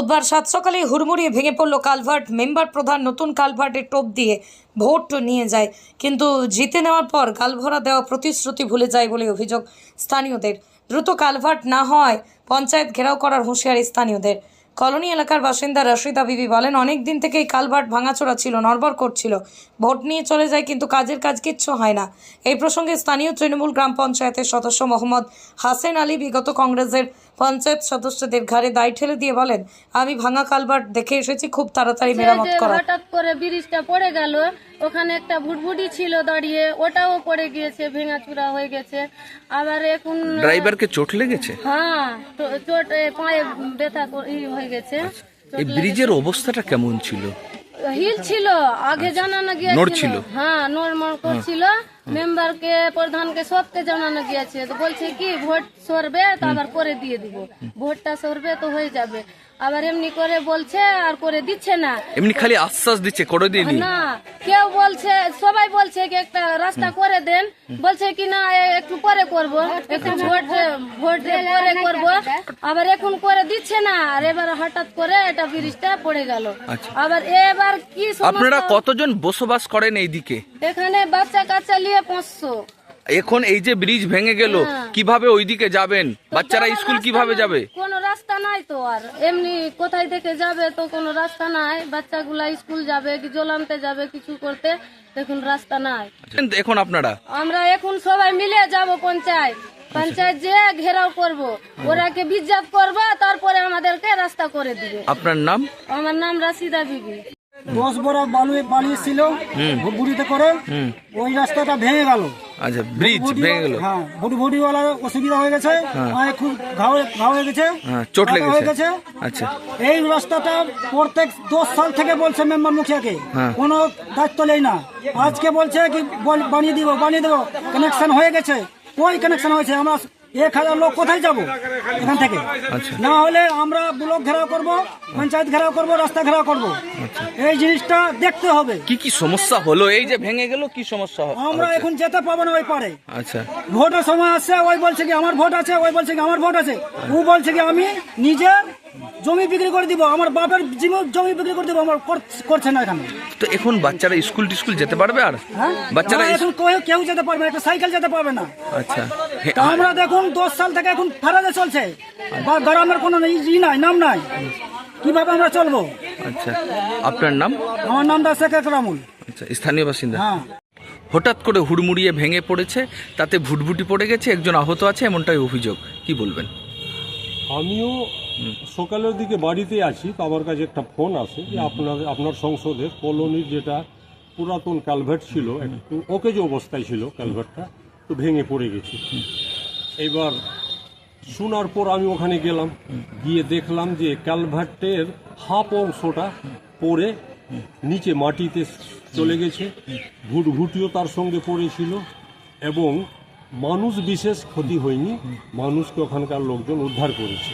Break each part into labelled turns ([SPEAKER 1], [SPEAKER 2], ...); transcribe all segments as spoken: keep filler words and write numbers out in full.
[SPEAKER 1] বুধবার সাত সকালে হুড়মুড়িয়ে ভেঙে পড়ল কালভার্ট। মেম্বার প্রধান নতুন কালভার্টের টোপ দিয়ে ভোট নিয়ে যায়, কিন্তু জিতে নেওয়ার পর গালভরা দেওয়া প্রতিশ্রুতি ভুলে যায় বলে অভিযোগ স্থানীয়দের। দ্রুত কালভার্ট না হওয়ায় পঞ্চায়েত ঘেরাও করার হুঁশিয়ারি স্থানীয়দের। কলোনি এলাকার বাসিন্দা রশিদা বিবি বলেন, অনেক দিন থেকে এই কালভার্ট ভাঙাচোরা ছিল, নড়বড় করছিল, ভোট নিয়ে চলে যায়, কিন্তু কাজের কাজ কিচ্ছু হয় না। এই প্রসঙ্গে স্থানীয় তৃণমূল গ্রাম পঞ্চায়েতের সদস্য মোহাম্মদ হাসেন আলী বিগত কংগ্রেসের পঞ্চায়েত সদস্যদের ঘাড়ে দায় ঠেলে দিয়ে বলেন, আমি ভাঙা কালভার্ট দেখে এসেছি, খুব তাড়াতাড়ি মেরামত করা।
[SPEAKER 2] হঠাৎ করে ব্রিজটা পড়ে গেল, ওখানে একটা ভুটভুটি ছিল দাঁড়িয়ে, ওটাও পড়ে গিয়েছে, ভেঙাচুরা হয়ে গেছে। আবার এখন
[SPEAKER 3] ড্রাইভারকে চোট লেগেছে?
[SPEAKER 2] হ্যাঁ, চোট পায়ে ব্যথা হয়ে গেছে।
[SPEAKER 3] এই ব্রিজের অবস্থাটা কেমন ছিল?
[SPEAKER 2] হিল ছিল, আগে জানানো গিয়েছিল। হ্যাঁ, নরমাল করছিল। মেম্বারকে, প্রধানকে, সবকে জানানো গিয়েছে। তো বলছে কি ভোট সরবে তো আবার করে দিয়ে দিব, ভোটটা সরবে তো হয়ে যাবে। আবার এমনি করে বলছে আর করে দিচ্ছে না,
[SPEAKER 3] এমনি খালি আশ্বাস দিচ্ছে, করে দিয়ে দিন
[SPEAKER 2] না। কেউ বলছে, সবাই বলছে কি একটা রাস্তা করে দেন, বলছে কি না একটু পরে করব, একটু ভোট ভোট পরে করব। আবার এখন করে দিচ্ছে না, আর এবার হঠাৎ করে এটা ব্রিজটা পড়ে গেল। আবার এবার কি
[SPEAKER 3] আপনারা কতজন বসবাস করেন এইদিকে?
[SPEAKER 2] এখানে বাচ্চা কাচ্চা নিয়ে পাঁচশো।
[SPEAKER 3] এখন এই যে ব্রিজ ভেঙে গেল, কিভাবে ওইদিকে যাবেন? বাচ্চারা স্কুল কিভাবে যাবে?
[SPEAKER 2] কোনো রাস্তা নাই তো, আর এমনি কোথায় থেকে যাবে তো কোনো রাস্তা নাই। বাচ্চাগুলা স্কুল যাবে, কি জল আনতে যাবে, কিছু করতে, এখন রাস্তা নাই।
[SPEAKER 3] এখন আপনারা
[SPEAKER 2] আমরা এখন সবাই মিলে যাব পঞ্চায়েত, পঞ্চায়েত যে ঘেরাও করব, ওরাকে বিজ্ঞাপ করব, তারপরে আমাদেরকে রাস্তা করে দিবে।
[SPEAKER 3] আপনার নাম?
[SPEAKER 2] আমার নাম রাশিদা বিবি।
[SPEAKER 4] দশ বড় বালু বালি ছিল ভুটভুটিতে করে, ওই রাস্তাটা ভেঙে গেল।
[SPEAKER 3] আচ্ছা, ব্রিজ ভেঙে গেল।
[SPEAKER 4] হ্যাঁ, ভুটভুটিওয়ালার অসুবিধা হয়ে গেছে, পায়ে খুব ঘাও ঘাও হয়ে গেছে,
[SPEAKER 3] চোট
[SPEAKER 4] হয়ে
[SPEAKER 3] লেগেছে।
[SPEAKER 4] গেছে।
[SPEAKER 3] আচ্ছা,
[SPEAKER 4] এই রাস্তাটা প্রত্যেক দশ সাল থেকে বলছে মেম্বার মুখিয়াকে, কোনো দায়িত্ব নেই না। আজকে বলছে কি বল- বানিয়ে দিব বানিয়ে দেবো, কানেকশন হয়ে গেছে। ওই কানেকশন হয়েছে, আমরা এক হাজার লোক কোথায় যাব এখান থেকে? না হলে আমরা ব্লক ঘেরাও করব, পঞ্চায়েত ঘেরাও করব, রাস্তা ঘেরাও করব। এই জিনিসটা দেখতে হবে।
[SPEAKER 3] কি কি সমস্যা হলো? এই যে ভেঙে গেল, কি সমস্যা হলো?
[SPEAKER 4] আমরা এখন যেতে পাবো না ওই পারে।
[SPEAKER 3] আচ্ছা,
[SPEAKER 4] ভোটের সময় আসছে, ওই বলছে কি আমার ভোট আছে, ওই বলছে কি আমার ভোট আছে, ও বলছে কি আমি নিজের জমি বিক্রি করে দিব, আমার বাপের জীবন জমি বিক্রি করে দিব, আমার কর- করছে না এখানে।
[SPEAKER 3] তো এখন বাচ্চারা স্কুল টিস্কুল যেতে পারবে? আর
[SPEAKER 4] হ্যাঁ,
[SPEAKER 3] বাচ্চারা
[SPEAKER 4] না, এখন কেউ- কেউ যেতে পারবে না, একটা সাইকেল যেতে পারবে না।
[SPEAKER 3] আচ্ছা,
[SPEAKER 4] তা আমরা দেখুন দশ সাল থেকে এখন ফেরাদে চলছে, বা গ্রামের কোনো ই নাই, নাম নাই, কিভাবে আমরা চলবো?
[SPEAKER 3] আচ্ছা, আপনার নাম?
[SPEAKER 4] আমার নামটা শেখ একরামুল।
[SPEAKER 3] আচ্ছা, স্থানীয় বাসিন্দা।
[SPEAKER 4] হ্যাঁ,
[SPEAKER 3] হঠাৎ করে হুড়মুড়িয়ে ভেঙে পড়েছে, তাতে ভুটভুটি পড়ে গেছে, একজন আহত আছে, এমনটাই অভিযোগ। কি বলবেন?
[SPEAKER 5] আমিও সকালের দিকে বাড়িতে আছি, তো আমার কাছে একটা ফোন আসে যে আপনার আপনার সংসদের কলোনির যেটা পুরাতন কালভার্ট ছিল, একটু ওকেজ অবস্থায় ছিল কালভার্টটা, তো ভেঙে পড়ে গেছে। এবার শোনার পর আমি ওখানে গেলাম, গিয়ে দেখলাম যে কালভার্টের হাফ অংশটা পড়ে নিচে মাটিতে চলে গেছে, ভুটভুটিও তার সঙ্গে পড়েছিল, এবং মানুষ বিশেষ ক্ষতি হয়নি, মানুষকে ওখানকার লোকজন উদ্ধার করেছে।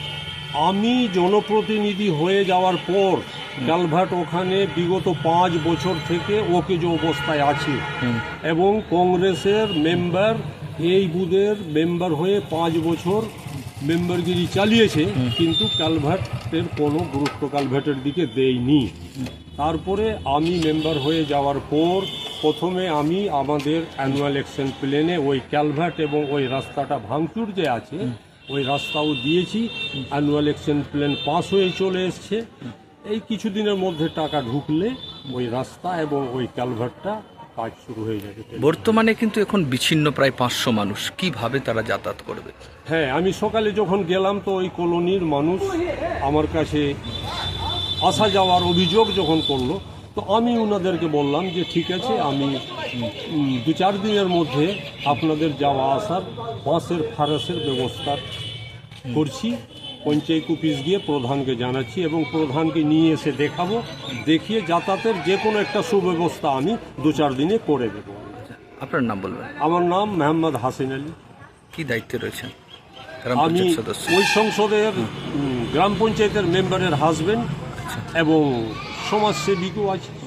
[SPEAKER 5] আমি জনপ্রতিনিধি হয়ে যাওয়ার পর কালভার্ট ওখানে বিগত পাঁচ বছর থেকে ওকে যে অবস্থায় আছে, এবং কংগ্রেসের মেম্বার এই বুথের মেম্বার হয়ে পাঁচ বছর মেম্বারগিরি চালিয়েছে, কিন্তু কালভার্টের কোনো গুরুত্ব কালভার্টের দিকে দেয়নি। তারপরে আমি মেম্বার হয়ে যাওয়ার পর প্রথমে আমি আমাদের অ্যানুয়াল অ্যাকশন প্ল্যানে ওই ক্যালভার্ট এবং ওই রাস্তাটা ভাঙচুর যে আছে ওই রাস্তাও দিয়েছি। অ্যানুয়াল অ্যাকশন প্ল্যান পাস হয়ে চলে এসছে। এই কিছুদিনের মধ্যে টাকা ঢুকলে ওই রাস্তা এবং ওই ক্যালভার্টটা কাজ শুরু হয়ে যাবে।
[SPEAKER 3] বর্তমানে কিন্তু এখন বিচ্ছিন্ন প্রায় পাঁচশো মানুষ, কিভাবে তারা যাতায়াত করবে?
[SPEAKER 5] হ্যাঁ, আমি সকালে যখন গেলাম তো ওই কলোনির মানুষ আমার কাছে আসা যাওয়ার অভিযোগ যখন করলো, তো আমি ওনাদেরকে বললাম যে ঠিক আছে, আমি উম, দু চার দিনের মধ্যে আপনাদের যাওয়া আসার বাসের ফারাসের ব্যবস্থা করছি। পঞ্চায়েত অফিস গিয়ে প্রধানকে জানাচ্ছি এবং প্রধানকে নিয়ে এসে দেখাবো, দেখিয়ে যাতায়াতের যে কোনো একটা সুব্যবস্থা আমি দু চার দিনে করে দেবো।
[SPEAKER 3] আপনার নাম বলবেন?
[SPEAKER 5] আমার নাম মোহাম্মদ হাসিন আলী।
[SPEAKER 3] কি দায়িত্বে রয়েছেন? গ্রাম
[SPEAKER 5] আমি
[SPEAKER 3] পঞ্চায়েত সদস্য।
[SPEAKER 5] ওই সংসদের উম, গ্রাম পঞ্চায়েতের মেম্বারের হাজবেন্ড এবং সমাজসেবিকও আছে।